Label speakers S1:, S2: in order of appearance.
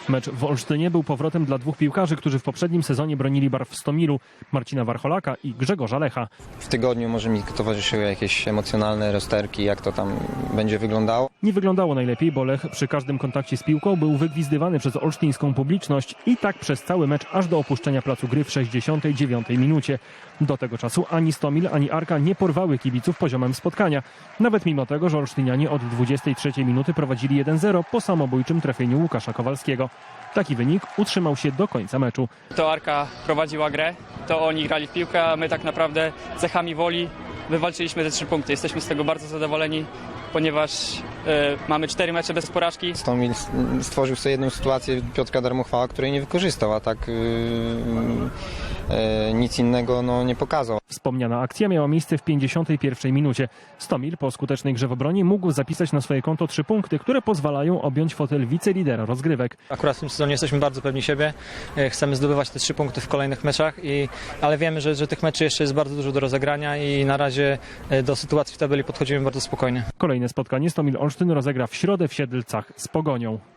S1: Mecz w Olsztynie był powrotem dla dwóch piłkarzy, którzy w poprzednim sezonie bronili barw w Stomilu, Marcina Warcholaka i Grzegorza Lecha.
S2: W tygodniu może mi towarzyszyły jakieś emocjonalne rozterki, jak to tam będzie wyglądało.
S1: Nie wyglądało najlepiej, bo Lech przy każdym kontakcie z piłką był wygwizdywany przez olsztyńską publiczność i tak przez cały mecz aż do opuszczenia placu gry w 69 minucie. Do tego czasu ani Stomil, ani Arka nie porwały kibiców poziomem spotkania. Nawet mimo tego, że olsztynianie od 23 minuty prowadzili 1-0 po samobójczym trafieniu Łukasza Kowalskiego. Taki wynik utrzymał się do końca meczu.
S3: To Arka prowadziła grę, to oni grali w piłkę, a my tak naprawdę cechami woli wywalczyliśmy te 3 punkty. Jesteśmy z tego bardzo zadowoleni, ponieważ mamy 4 mecze bez porażki.
S2: Stomil stworzył sobie jedną sytuację Piotrka Darmochwała, której nie wykorzystał, a tak nic innego nie pokazał.
S1: Wspomniana akcja miała miejsce w 51 minucie. Stomil po skutecznej grze w obronie mógł zapisać na swoje konto 3 punkty, które pozwalają objąć fotel wicelidera rozgrywek.
S4: Akurat w tym sezonie jesteśmy bardzo pewni siebie. Chcemy zdobywać te 3 punkty w kolejnych meczach, ale wiemy, że tych meczy jeszcze jest bardzo dużo do rozegrania i na razie do sytuacji w tabeli podchodzimy bardzo spokojnie.
S1: Kolejne spotkanie Stomil Olsztyn rozegra w środę w Siedlcach z Pogonią.